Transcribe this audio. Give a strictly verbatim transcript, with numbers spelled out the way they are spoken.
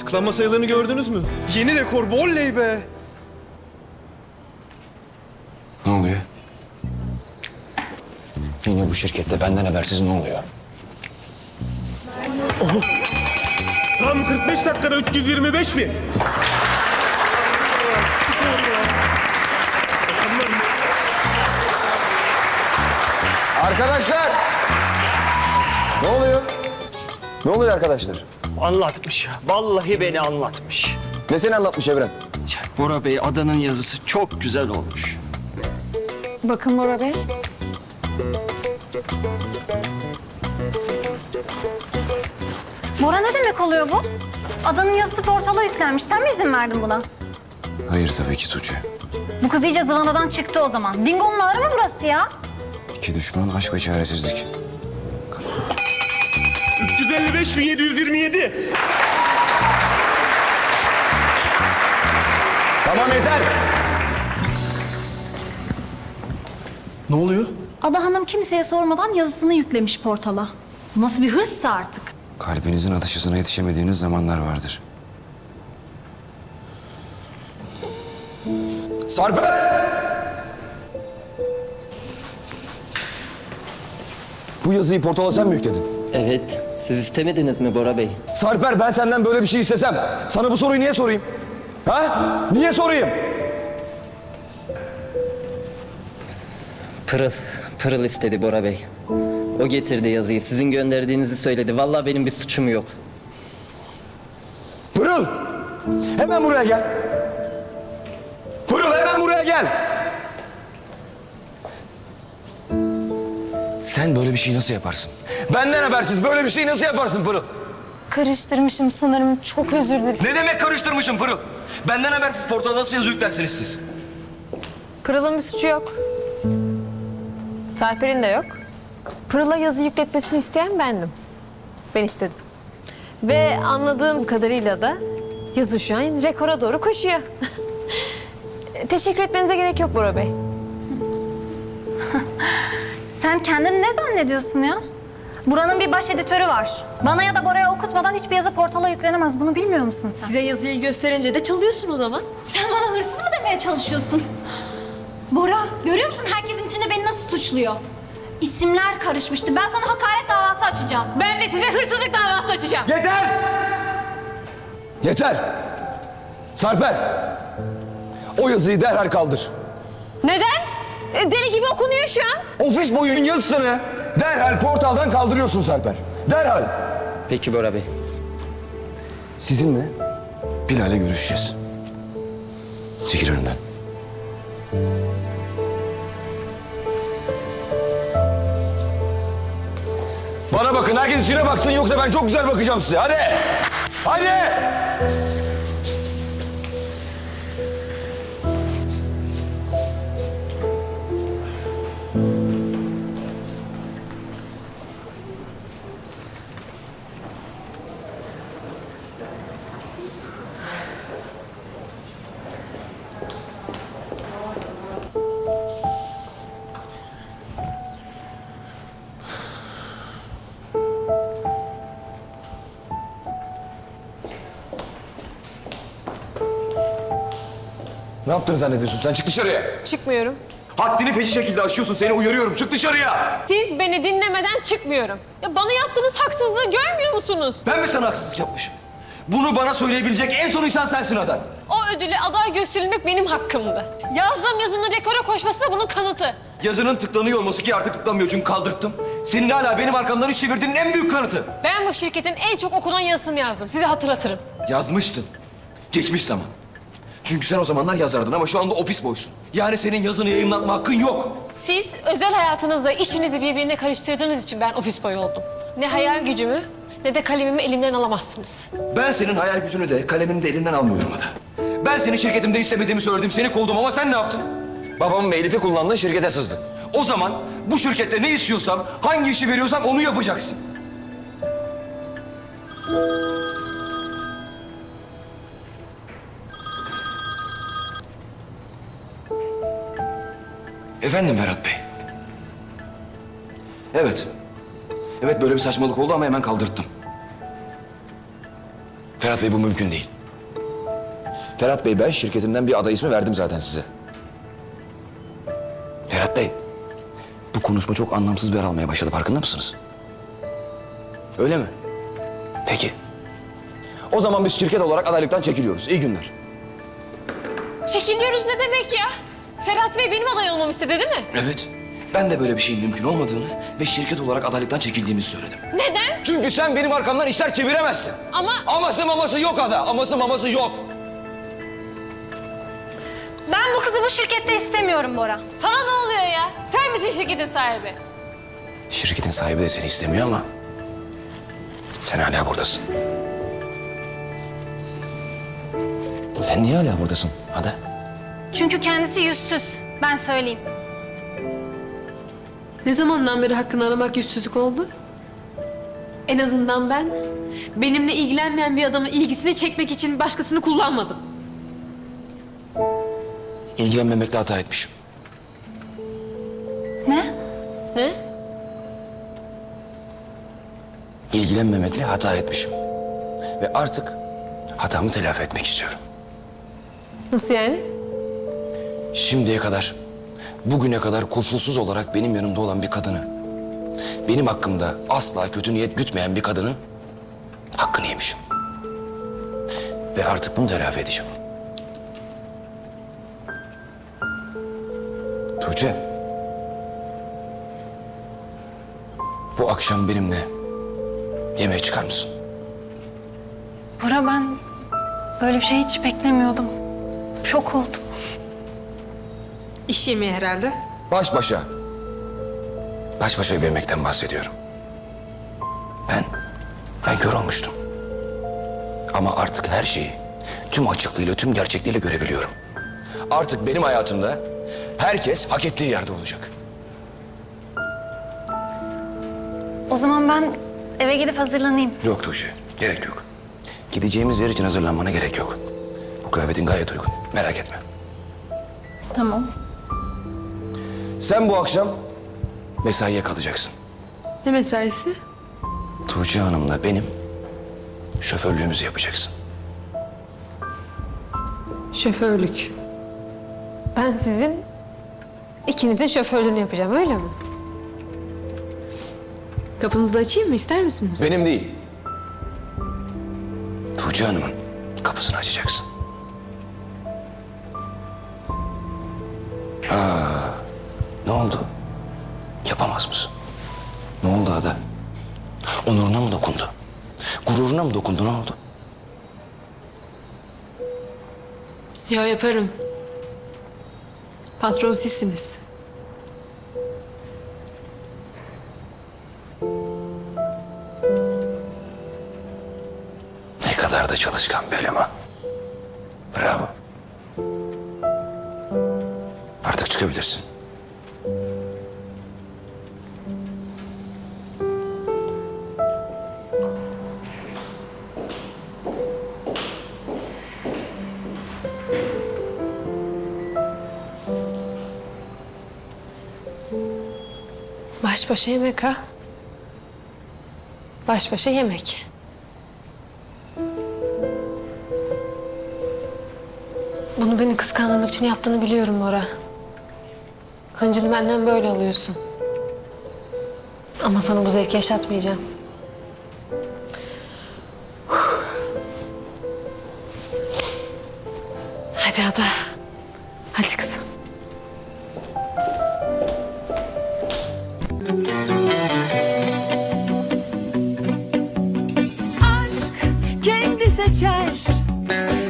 Tıklanma sayılarını gördünüz mü? Yeni rekor bu, oley be! Ne oluyor? Yine bu şirkette benden habersiz ne oluyor? Tam kırk beş dakikada üç yüz yirmi beş bin. Arkadaşlar! Ne oluyor? Ne oluyor arkadaşlar? Anlatmış ya. Vallahi beni anlatmış. Ne seni anlatmış Evren? Ya Bora Bey, adanın yazısı çok güzel olmuş. Bakın Bora Bey. Bora ne demek oluyor bu? Adanın yazısı portala yüklenmiş. Sen mi izin verdin buna? Hayır tabii ki Tuğçe. Bu kız iyice zıvanadan çıktı o zaman. Dingo'nun ağrı mı burası ya? İki düşman, aşk ve çaresizlik. üç yüz elli beş bin yedi yüz yirmi yedi. Tamam yeter! Ne oluyor? Ada Hanım kimseye sormadan yazısını yüklemiş portala. Bu nasıl bir hırssa artık? Kalbinizin atış hızına yetişemediğiniz zamanlar vardır. Sarper! Bu yazıyı portala sen mi yükledin? Evet, siz istemediniz mi Bora Bey? Sarper, ben senden böyle bir şey istesem sana bu soruyu niye sorayım? Ha? Niye sorayım? Pırıl, Pırıl istedi Bora Bey. O getirdi yazıyı, sizin gönderdiğinizi söyledi. Vallahi benim bir suçum yok. Pırıl! Hemen buraya gel. Pırıl, hemen buraya gel. Sen böyle bir şey nasıl yaparsın? Benden habersiz böyle bir şey nasıl yaparsın Pırıl? Karıştırmışım sanırım. Çok özür dilerim. Ne demek karıştırmışım Pırıl? Benden habersiz portala nasıl yazı yüklersiniz siz? Pırıl'ın bir suçu yok. Sarper'in de yok. Pırıl'a yazı yükletmesini isteyen bendim. Ben istedim. Ve anladığım kadarıyla da yazı şu an rekora doğru koşuyor. Teşekkür etmenize gerek yok Bora Bey. Sen kendini ne zannediyorsun ya? Buranın bir baş editörü var. Bana ya da Bora'ya okutmadan hiçbir yazı portala yüklenemez. Bunu bilmiyor musun sen? Size yazıyı gösterince de çalıyorsun o zaman. Sen bana hırsız mı demeye çalışıyorsun? Bora, görüyor musun herkesin içinde beni nasıl suçluyor? İsimler karışmıştı. Ben sana hakaret davası açacağım. Ben de size hırsızlık davası açacağım. Yeter! Yeter! Sarper! O yazıyı derhal kaldır. Neden? E, Deli gibi okunuyor şu an. Ofis boyunun yazısını derhal portaldan kaldırıyorsun Sarper. Derhal! Peki Bora Bey. Sizinle Bilal'le görüşeceğiz. Çekil önümden. Bana bakın, herkes içine baksın yoksa ben çok güzel bakacağım size. Hadi! Hadi! Ne yaptığını zannediyorsun sen? Çık dışarıya. Çıkmıyorum. Haddini feci şekilde aşıyorsun. Seni uyarıyorum. Çık dışarıya. Siz beni dinlemeden çıkmıyorum. Ya bana yaptığınız haksızlığı görmüyor musunuz? Ben mi sana haksızlık yapmışım? Bunu bana söyleyebilecek en son insan sensin Ada. O ödüle aday gösterilmek benim hakkımdı. Yazdığım yazının rekora koşması da bunun kanıtı. Yazının tıklanıyor olması ki artık tıklanmıyor çünkü kaldırttım. Senin hala benim arkamdan iş çevirdiğinin en büyük kanıtı. Ben bu şirketin en çok okunan yazısını yazdım. Size hatırlatırım. Yazmıştın. Geçmiş zaman. Çünkü sen o zamanlar yazardın ama şu anda ofis boysun. Yani senin yazını yayınlatma hakkın yok. Siz özel hayatınızla işinizi birbirine karıştırdığınız için ben ofis boyu oldum. Ne hayal gücümü ne de kalemimi elimden alamazsınız. Ben senin hayal gücünü de kalemini de elinden almıyorum Ada. Ben seni şirketimde istemediğimi söyledim, seni kovdum ama sen ne yaptın? Babamın ve Elif'i kullandın, şirkete sızdın. O zaman bu şirkette ne istiyorsam, hangi işi veriyorsam onu yapacaksın. Efendim Ferhat Bey. Evet. Evet böyle bir saçmalık oldu ama hemen kaldırttım. Ferhat Ferhat Bey bu mümkün değil. Ferhat Bey ben şirketimden bir aday ismi verdim zaten size. Ferhat Bey, bu konuşma çok anlamsız bir yer almaya başladı. Farkında mısınız? Öyle mi? Peki. O zaman biz şirket olarak adaylıktan çekiliyoruz. İyi günler. Çekiliyoruz ne demek ya? Ferhat Bey benim aday olmamı istedi değil mi? Evet. Ben de böyle bir şeyin mümkün olmadığını ve şirket olarak adaylıktan çekildiğimizi söyledim. Neden? Çünkü sen benim arkamdan işler çeviremezsin. Ama Aması maması yok Ada. Aması maması yok. Ben bu kızı bu şirkette istemiyorum Bora. sana ne oluyor ya? Sen misin şirketin sahibi? Şirketin sahibi de seni istemiyor ama sen hala buradasın. Sen niye hala buradasın Ada? Çünkü kendisi yüzsüz. Ben söyleyeyim. Ne zamandan beri hakkını aramak yüzsüzlük oldu? En azından ben benimle ilgilenmeyen bir adamın ilgisini çekmek için başkasını kullanmadım. İlgilenmemekle hata etmişim. Ne? Ne? İlgilenmemekle hata etmişim. Ve artık hatamı telafi etmek istiyorum. Nasıl yani? Şimdiye kadar, bugüne kadar koşulsuz olarak benim yanımda olan bir kadını, benim hakkımda asla kötü niyet gütmeyen bir kadının hakkını yemişim. Ve artık bunu telafi edeceğim. Tuğçe, bu akşam benimle yemeğe çıkar mısın? Bora ben böyle bir şey hiç beklemiyordum. Şok oldum. İş yemeği herhalde. Baş başa. Baş başa bir yemekten bahsediyorum. Ben, ben kör olmuştum. Ama artık her şeyi tüm açıklığıyla, tüm gerçekliğiyle görebiliyorum. Artık benim hayatımda herkes hak ettiği yerde olacak. O zaman ben eve gidip hazırlanayım. Yok Tuğçe, gerek yok. Gideceğimiz yer için hazırlanmana gerek yok. Bu kıyafetin gayet uygun, merak etme. Tamam. Sen bu akşam mesaiye kalacaksın. Ne mesaisi? Tuğçe Hanım'la benim şoförlüğümüzü yapacaksın. Şoförlük. Ben sizin ikinizin şoförlüğünü yapacağım öyle mi? Kapınızı da açayım mı ister misiniz? Benim değil. Tuğçe Hanım'ın kapısını açacaksın. Ha, ne oldu? Yapamaz mısın? Ne oldu Ada? Onuruna mı dokundu? Gururuna mı dokundu? Ne oldu? Ya yaparım. Patron sizsiniz. Ne kadar da çalışkan bir eleman. Bravo. Artık çıkabilirsin. Baş başa yemek ha? Baş başa yemek. Bunu beni kıskandırmak için yaptığını biliyorum Bora. Hıncını benden böyle alıyorsun. Ama sana bu zevki yaşatmayacağım. Hadi Ada. Hadi kızım. aşk kendi seçer